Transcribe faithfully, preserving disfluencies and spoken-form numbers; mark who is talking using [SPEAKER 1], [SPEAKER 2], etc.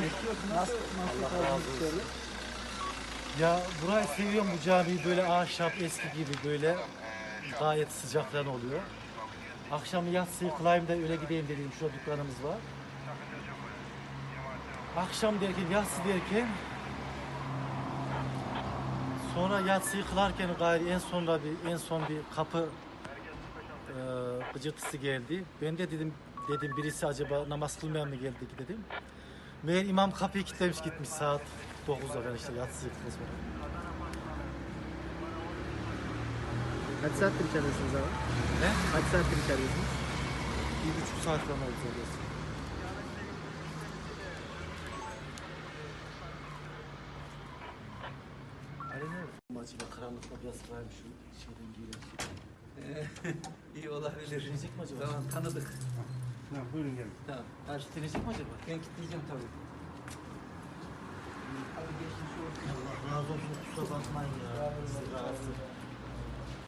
[SPEAKER 1] Nasıl, nasıl
[SPEAKER 2] Allah razı olsun. Ya burayı seviyorum, bu camiyi böyle ahşap eski gibi böyle gayet sıcak falan oluyor. Akşam yatsıyı kılayım da öyle gideyim dedim, şurada dükkanımız var. Akşam derken, yatsı derken sonra yatsıyı kılarken gayri en sonra bir en son bir kapı e, gıcırtısı geldi. Ben de dedim dedim birisi acaba namaz kılmayan mı geldi ki dedim. Meğer imam kapıyı kilitlemiş gitmiş saat dokuzda falan işte yatsıyı kılmış.
[SPEAKER 1] Kaç saattir içeridesiniz abi?
[SPEAKER 2] Ne?
[SPEAKER 1] Kaç saattir içeridesiniz?
[SPEAKER 2] Bir buçuk saat falan oldu orası. Ali ne? Acaba karanlıkta biraz kaymış şu şeyden giyilen şey.
[SPEAKER 3] İyi olabilir.
[SPEAKER 2] Deneyecek mi acaba?
[SPEAKER 3] Tamam, tanıdık.
[SPEAKER 4] Tamam, buyurun gelin.
[SPEAKER 3] Tamam.
[SPEAKER 2] Karşı deneyecek mi acaba?
[SPEAKER 3] Ben kilitleyeceğim tabii. Abi geçmiş olsun.
[SPEAKER 2] Allah razı olsun, kusura bakmayın ya. Sizi rahatsız.